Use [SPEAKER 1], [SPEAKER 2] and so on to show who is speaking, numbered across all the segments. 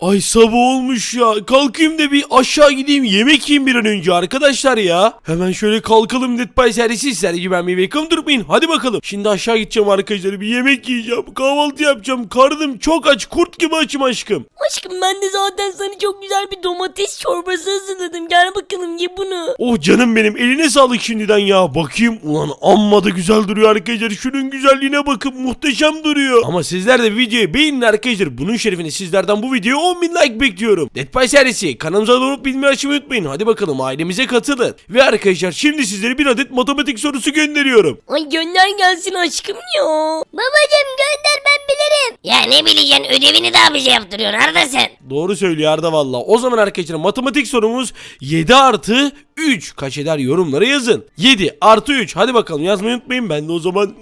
[SPEAKER 1] Ay sabah olmuş ya. Kalkayım da bir aşağı gideyim yemek yiyeyim bir an önce arkadaşlar ya. Hemen şöyle kalkalım Dead by servisi sergi ben bir welcome durmayın. Hadi bakalım. Şimdi aşağı gideceğim arkadaşlar. Bir yemek yiyeceğim. Kahvaltı yapacağım. Karnım çok aç. Kurt gibi açım aşkım.
[SPEAKER 2] Aşkım ben de zaten sana çok güzel bir domates çorbası hazırladım. Gel bakalım ye bunu.
[SPEAKER 1] Oh canım benim. Eline sağlık şimdiden ya. Bakayım. Ulan amma da güzel duruyor arkadaşlar. Şunun güzelliğine bakın. Muhteşem duruyor. Ama sizler de videoyu beğenin arkadaşlar. Bunun şerefine sizlerden bu videoya 10.000 like bekliyorum. Dead by serisi. Kanalımıza abone olup bilmeyi açmayı unutmayın. Hadi bakalım ailemize katılın. Ve arkadaşlar şimdi sizlere bir adet matematik sorusu gönderiyorum.
[SPEAKER 2] Ay gönder gelsin aşkım ya.
[SPEAKER 3] Babacım gönder ben bilirim.
[SPEAKER 2] Ya ne bileceksin ödevini daha bize yaptırıyorsun Arda sen.
[SPEAKER 1] Doğru söylüyor Arda valla. O zaman arkadaşlar matematik sorumuz 7 artı 3 kaç eder yorumlara yazın. 7 artı 3 hadi bakalım yazmayı unutmayın. Ben de o zaman...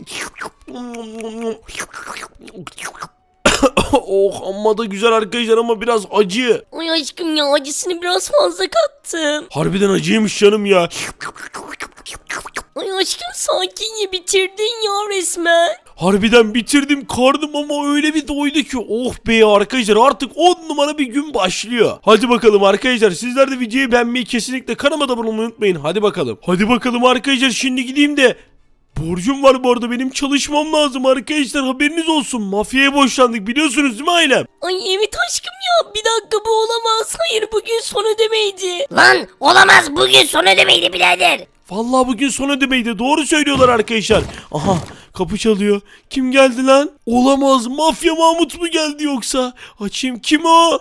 [SPEAKER 1] Oh amma da güzel arkadaşlar ama biraz acı.
[SPEAKER 2] Ay aşkım ya acısını biraz fazla kattım.
[SPEAKER 1] Harbiden acıymış canım ya.
[SPEAKER 2] Ay aşkım sakin ye bitirdin ya resmen.
[SPEAKER 1] Harbiden bitirdim karnım ama öyle bir doydu ki oh be arkadaşlar artık 10 numara bir gün başlıyor. Hadi bakalım arkadaşlar sizler de videoyu beğenmeyi kesinlikle kanalıma da abone olmayı unutmayın. Hadi bakalım. Hadi bakalım arkadaşlar şimdi gideyim de borcum var bu arada benim çalışmam lazım arkadaşlar haberiniz olsun. Mafyaya borçlandık biliyorsunuz değil mi ailem?
[SPEAKER 2] Ay evet aşkım ya bir dakika bu olamaz. Hayır bugün son ödemeydi.
[SPEAKER 3] Lan olamaz bugün son ödemeydi birader.
[SPEAKER 1] Vallahi bugün son ödemeydi. Doğru söylüyorlar arkadaşlar. Aha kapı çalıyor. Kim geldi lan? Olamaz. Mafya Mahmut mu geldi yoksa? Açayım. Kim o?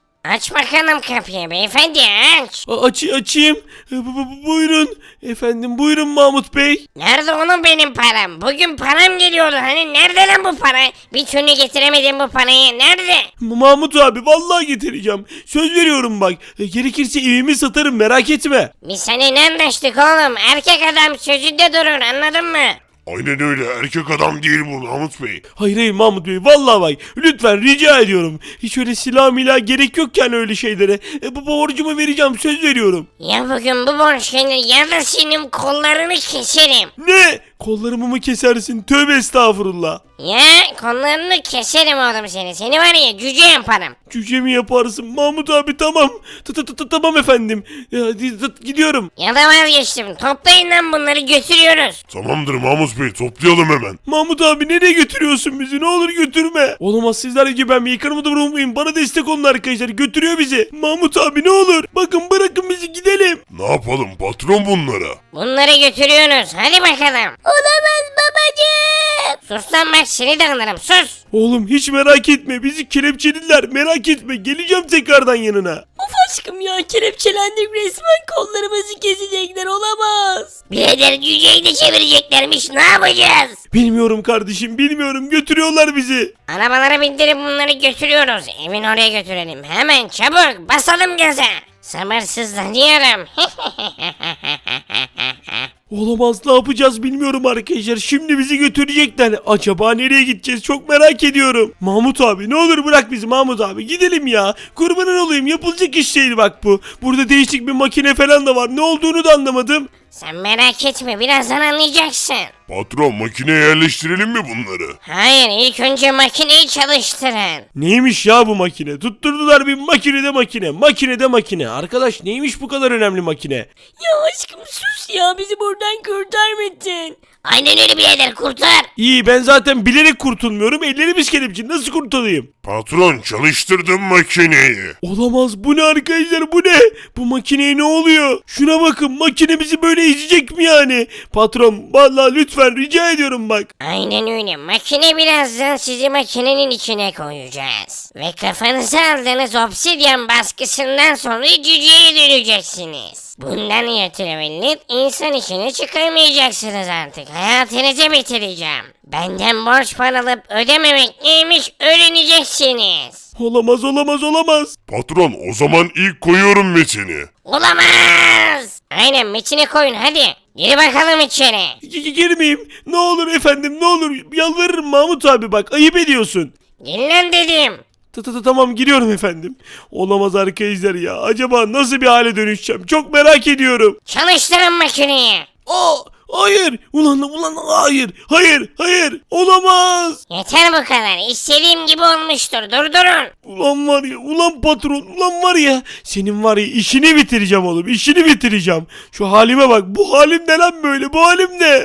[SPEAKER 3] Aç bakalım kapıyı beyefendi aç.
[SPEAKER 1] Açayım. Buyurun. Efendim buyurun Mahmut Bey.
[SPEAKER 3] Nerede onun benim param? Bugün param geliyordu hani nerede lan bu para? Bir türlü getiremedim bu parayı nerede?
[SPEAKER 1] Mahmut abi vallahi getireceğim. Söz veriyorum bak. Gerekirse evimi satarım merak etme.
[SPEAKER 3] Biz seninle anlaştık oğlum. Erkek adam sözünde durur anladın mı?
[SPEAKER 4] Aynen öyle. Erkek adam değil bu Mahmut Bey.
[SPEAKER 1] Hayır Mahmut Bey vallahi bak lütfen rica ediyorum. Hiç öyle silah milah gerek yok yani öyle şeylere. Bu borcumu vereceğim söz veriyorum.
[SPEAKER 3] Ya bugün bu borç gelir ya da senin kollarını keserim.
[SPEAKER 1] Ne? Kollarımı mı kesersin? Tövbe estağfurullah.
[SPEAKER 3] Ya kollarını keserim oğlum seni. Seni var ya cüce yaparım.
[SPEAKER 1] Cüce mi yaparsın? Mahmut abi tamam. Tamam efendim. Gidiyorum.
[SPEAKER 3] Ya da vazgeçtim. Toplayın lan bunları götürüyoruz.
[SPEAKER 4] Tamamdır Mahmut Bey, toplayalım hemen.
[SPEAKER 1] Mahmut abi nereye götürüyorsun bizi? Ne olur götürme. Olamaz sizler gibi ben yıkanımı da bırakmayın. Bana destek olun arkadaşlar. Götürüyor bizi. Mahmut abi ne olur. Bakın bırakın bizi gidelim.
[SPEAKER 4] Ne yapalım patron bunlara?
[SPEAKER 3] Bunları götürüyoruz. Hadi bakalım.
[SPEAKER 2] Olamaz babacığım.
[SPEAKER 3] Sus lan bak seni de alırım sus.
[SPEAKER 1] Oğlum hiç merak etme. Bizi kelepçeliler. Merak etme. Geleceğim tekrardan yanına.
[SPEAKER 2] Of aşkım ya kelepçelendik resmen kollarımızı kesecekler olamaz.
[SPEAKER 3] Birader cüceyi de çevireceklermiş ne yapacağız?
[SPEAKER 1] Bilmiyorum kardeşim. Bilmiyorum. Götürüyorlar bizi.
[SPEAKER 3] Arabalara bindirip bunları götürüyoruz. Evin oraya götürelim. Hemen çabuk basalım gaza. Sabırsızlanıyorum.
[SPEAKER 1] Olamaz ne yapacağız bilmiyorum arkadaşlar. Şimdi bizi götürecekler. Acaba nereye gideceğiz çok merak ediyorum. Mahmut abi ne olur bırak bizi Mahmut abi. Gidelim ya. Kurbanın olayım yapılacak iş değil bak bu. Burada değişik bir makine falan da var. Ne olduğunu da anlamadım.
[SPEAKER 3] Sen merak etme birazdan anlayacaksın.
[SPEAKER 4] Patron makineye yerleştirelim mi bunları?
[SPEAKER 3] Hayır ilk önce makineyi çalıştırın.
[SPEAKER 1] Neymiş ya bu makine? Tutturdular bir makinede makine. Makinede makine. Arkadaş neymiş bu kadar önemli makine?
[SPEAKER 2] Ya aşkım sus ya bizi buradan kurtarmadın.
[SPEAKER 3] Aynen öyle birader kurtar.
[SPEAKER 1] İyi ben zaten bilerek kurtulmuyorum. Ellerimiz kelepçe. Nasıl kurtulayım?
[SPEAKER 4] Patron çalıştırdım makineyi.
[SPEAKER 1] Olamaz bu ne arkadaşlar bu ne? Bu makineye ne oluyor? Şuna bakın makine bizi böyle ezecek mi yani? Patron vallahi lütfen rica ediyorum bak.
[SPEAKER 3] Aynen öyle. Makine birazdan sizi makinenin içine koyacağız. Ve kafanıza aldığınız obsidyen baskısından sonra cüceye döneceksiniz. Bundan ötürü insan içine çıkamayacaksınız artık. Hayatınızı bitireceğim. Benden borç para alıp ödememek neymiş öğreneceksiniz.
[SPEAKER 1] Olamaz.
[SPEAKER 4] Patron o zaman ilk koyuyorum metini.
[SPEAKER 3] Olamaz. Aynen metine koyun hadi. Gir bakalım içeri.
[SPEAKER 1] Girmeyeyim. Ne olur efendim ne olur. Yalvarırım Mahmut abi bak ayıp ediyorsun.
[SPEAKER 3] Gir lan dedim.
[SPEAKER 1] Tamam giriyorum efendim. Olamaz arkadaşlar ya. Acaba nasıl bir hale dönüşeceğim? Çok merak ediyorum.
[SPEAKER 3] Çalıştırın makineyi.
[SPEAKER 1] Hayır. Ulan hayır. Olamaz.
[SPEAKER 3] Yeter bu kadar. İstediğim gibi olmuştur. Durdurun.
[SPEAKER 1] Ulan var ya, ulan patron, ulan var ya, senin var ya işini bitireceğim oğlum, işini bitireceğim. Şu halime bak, bu halim ne lan böyle, bu halim ne?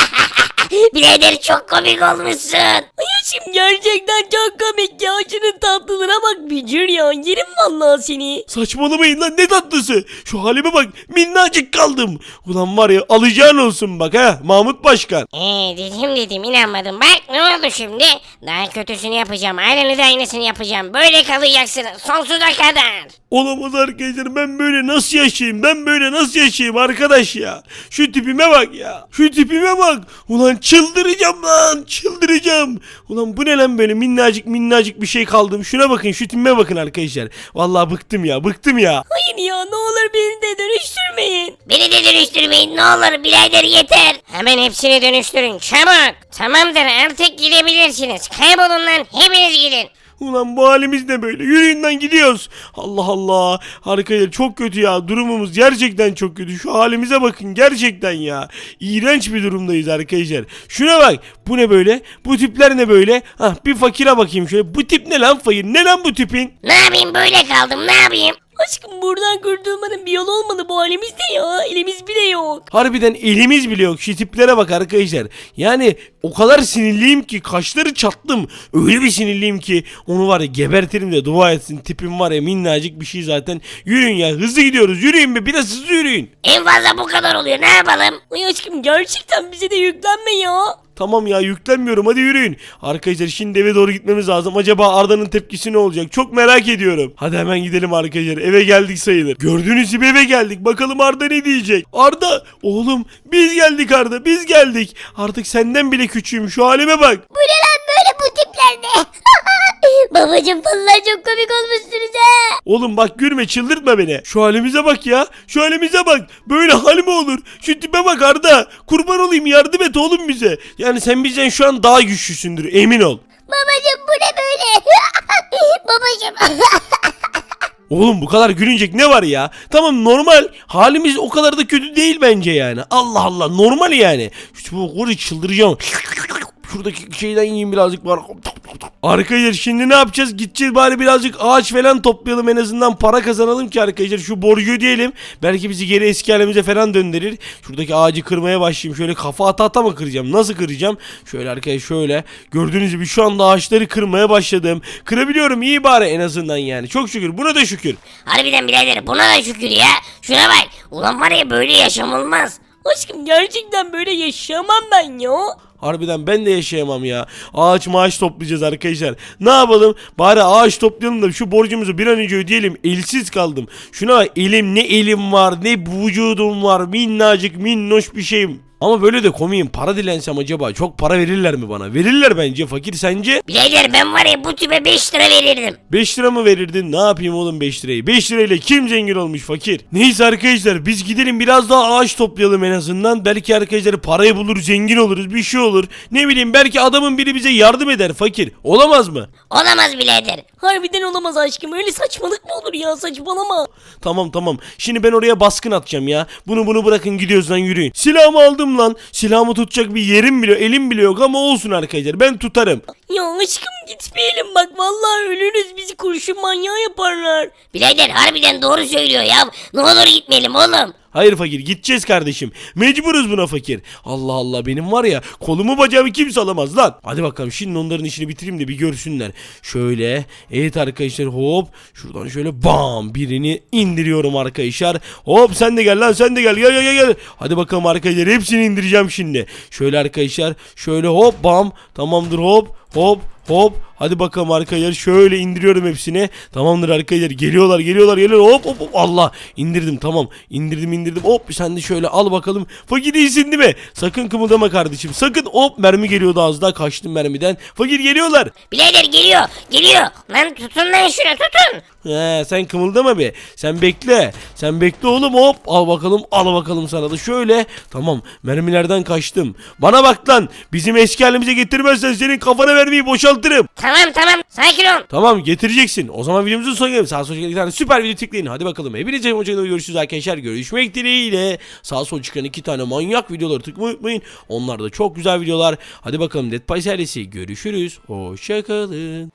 [SPEAKER 3] Birader çok komik olmuşsun.
[SPEAKER 2] Ay aşkım gerçekten çok komik ya. Şunun tatlılığına bak bücür ya. Yerim vallahi seni.
[SPEAKER 1] Saçmalamayın lan, ne tatlısı. Şu halime bak, minnacık kaldım. Ulan var ya, alacağın olsun bak ha Mahmut Başkan.
[SPEAKER 3] Dedim inanmadım. Bak ne oldu şimdi? Daha kötüsünü yapacağım. Aynısını yapacağım. Böyle kalacaksınız sonsuza kadar.
[SPEAKER 1] Olamaz arkadaşlar, ben böyle nasıl yaşayayım, arkadaş ya. Şu tipime bak ya, şu tipime bak. Ulan çıldıracağım lan, çıldıracağım. Ulan bu ne lan, böyle minnacık bir şey kaldım. Şuna bakın, şu tipime bakın arkadaşlar. Vallahi bıktım ya.
[SPEAKER 2] Hayır ya ne olur beni de dönüştürmeyin.
[SPEAKER 3] Beni de dönüştürmeyin ne olur birader yeter. Hemen hepsini dönüştürün çabuk. Tamamdır artık gidebilirsiniz. Kaybolun lan hepiniz gidin.
[SPEAKER 1] Ulan bu halimiz ne böyle? Yürüyün lan, gidiyoruz. Allah Allah. Arkadaşlar çok kötü ya. Durumumuz gerçekten çok kötü. Şu halimize bakın gerçekten ya. İğrenç bir durumdayız arkadaşlar. Şuna bak. Bu ne böyle? Bu tipler ne böyle? Bir fakire bakayım şöyle. Bu tip ne lan fakir? Ne lan bu tipin?
[SPEAKER 3] Ne yapayım böyle kaldım ne yapayım?
[SPEAKER 2] Aşkım buradan kurtulmanın bir yolu olmalı bu halimizde ya. Elimiz bile yok.
[SPEAKER 1] Harbiden elimiz bile yok. Şu tiplere bak arkadaşlar. Yani o kadar sinirliyim ki kaşları çattım. Öyle bir sinirliyim ki onu var ya gebertirim de dua etsin. Tipim var ya minnacık bir şey zaten. Yürüyün ya, hızlı gidiyoruz. Yürüyün be, biraz hızlı yürüyün.
[SPEAKER 3] En fazla bu kadar oluyor ne yapalım?
[SPEAKER 2] Ay aşkım gerçekten bize de yüklenme ya.
[SPEAKER 1] Tamam ya, yüklenmiyorum, hadi yürüyün. Arkadaşlar şimdi eve doğru gitmemiz lazım. Acaba Arda'nın tepkisi ne olacak? Çok merak ediyorum. Hadi hemen gidelim arkadaşlar. Eve geldik sayılır. Gördüğünüz gibi eve geldik. Bakalım Arda ne diyecek? Arda oğlum, biz geldik Arda, biz geldik. Artık senden bile küçüğüm, şu halime bak.
[SPEAKER 3] Bu ne lan böyle bu tipler ne?
[SPEAKER 2] Babacım vallahi çok komik olmuşsunuz ha.
[SPEAKER 1] Oğlum bak, gülme, çıldırtma beni. Şu halimize bak ya. Şu halimize bak. Böyle hal mi olur? Şu tipe bak Arda. Kurban olayım, yardım et oğlum bize. Yani sen bizden şu an daha güçlüsündür, emin ol.
[SPEAKER 3] Babacım bu ne böyle? Babacım.
[SPEAKER 1] Oğlum bu kadar gülünecek ne var ya? Tamam, normal. Halimiz o kadar da kötü değil bence yani. Allah Allah, normal yani. Bu koru, çıldıracağım. Şuradaki şeyden yiyeyim birazcık var. Arkadaşlar şimdi ne yapacağız? Gideceğiz bari birazcık ağaç falan toplayalım, en azından para kazanalım ki arkadaşlar şu borcu ödeyelim. Belki bizi geri eski halimize falan döndürür. Şuradaki ağacı kırmaya başlayayım. Şöyle kafa ata mı kıracağım? Nasıl kıracağım? Şöyle arkadaşlar şöyle. Gördüğünüz gibi şu anda ağaçları kırmaya başladım. Kırabiliyorum, iyi bari en azından yani. Çok şükür, buna da şükür.
[SPEAKER 3] Harbiden birader buna da şükür ya. Şuna bak. Ulan var ya böyle yaşam olmaz.
[SPEAKER 2] Aşkım gerçekten böyle yaşayamam ben ya.
[SPEAKER 1] Harbiden ben de yaşayamam ya. Ağaç maaş toplayacağız arkadaşlar. Ne yapalım? Bari ağaç toplayalım da şu borcumuzu bir an önce ödeyelim. Elsiz kaldım. Şuna bak, ne elim var, ne vücudum var. Minnacık minnoş bir şeyim. Ama böyle de komiyim. Para dilensem acaba çok para verirler mi bana? Verirler bence. Fakir, sence?
[SPEAKER 3] Birader ben var ya bu tipe 5 lira verirdim.
[SPEAKER 1] 5 lira mı verirdin? Ne yapayım oğlum 5 lirayı? 5 lirayla kim zengin olmuş fakir? Neyse arkadaşlar, biz gidelim biraz daha ağaç toplayalım en azından. Belki arkadaşlar parayı bulur, zengin oluruz, bir şey olur. Ne bileyim, belki adamın biri bize yardım eder fakir. Olamaz mı?
[SPEAKER 3] Olamaz birader.
[SPEAKER 2] Harbiden olamaz aşkım. Öyle saçmalık mı olur ya, saçmalama.
[SPEAKER 1] Tamam. Şimdi ben oraya baskın atacağım ya. Bunu bırakın, gidiyoruz lan, yürüyün. Silahımı aldım lan. Silahımı tutacak bir yerim bile, elim bile yok ama olsun arkadaşlar, ben tutarım.
[SPEAKER 2] Ya aşkım gitmeyelim bak, vallahi ölürüz, bizi kurşun manyağı yaparlar.
[SPEAKER 3] Birader harbiden doğru söylüyor ya. Ne olur gitmeyelim oğlum.
[SPEAKER 1] Hayır fakir, gideceğiz kardeşim. Mecburuz buna fakir. Allah Allah, benim var ya kolumu bacağımı kimse alamaz lan. Hadi bakalım, şimdi onların işini bitireyim de bir görsünler. Şöyle, evet arkadaşlar, hop. Şuradan şöyle bam, birini indiriyorum arkadaşlar. Hop, sen de gel lan, sen de gel. Gel. Hadi bakalım arkadaşlar, hepsini indireceğim şimdi. Şöyle arkadaşlar, şöyle hop bam. Tamamdır, hop. Hadi bakalım arkadaşlar, şöyle indiriyorum hepsini. Tamamdır arkadaşlar, geliyorlar. Hop. Allah, indirdim, tamam. İndirdim. Hop, sen de şöyle al bakalım. Fakir, iyisin değil mi? Sakın kımıldama kardeşim, sakın. Hop, mermi geliyordu az daha, kaçtım mermiden. Fakir, geliyorlar.
[SPEAKER 3] Birader geliyor. Lan tutun lan şunu tutun.
[SPEAKER 1] Sen kımıldama be. Sen bekle oğlum, hop. Al bakalım sana da şöyle. Tamam, mermilerden kaçtım. Bana bak lan, bizim eski halimize getirmezsen senin kafana mermiyi boşaltırım. patlatırım.
[SPEAKER 3] Tamam sakin ol.
[SPEAKER 1] Tamam getireceksin. O zaman videomuzun sonuna gelelim. Sağ sol çıkan 2 tane süper video tıklayın. Hadi bakalım. Hepinize hoşçakalın. Görüşürüz arkadaşlar. Görüşmek dileğiyle. Sağ sol çıkan 2 tane manyak videoları tıklamayı unutmayın. Onlar da çok güzel videolar. Hadi bakalım Dead Pies ailesi. Görüşürüz. Hoşçakalın.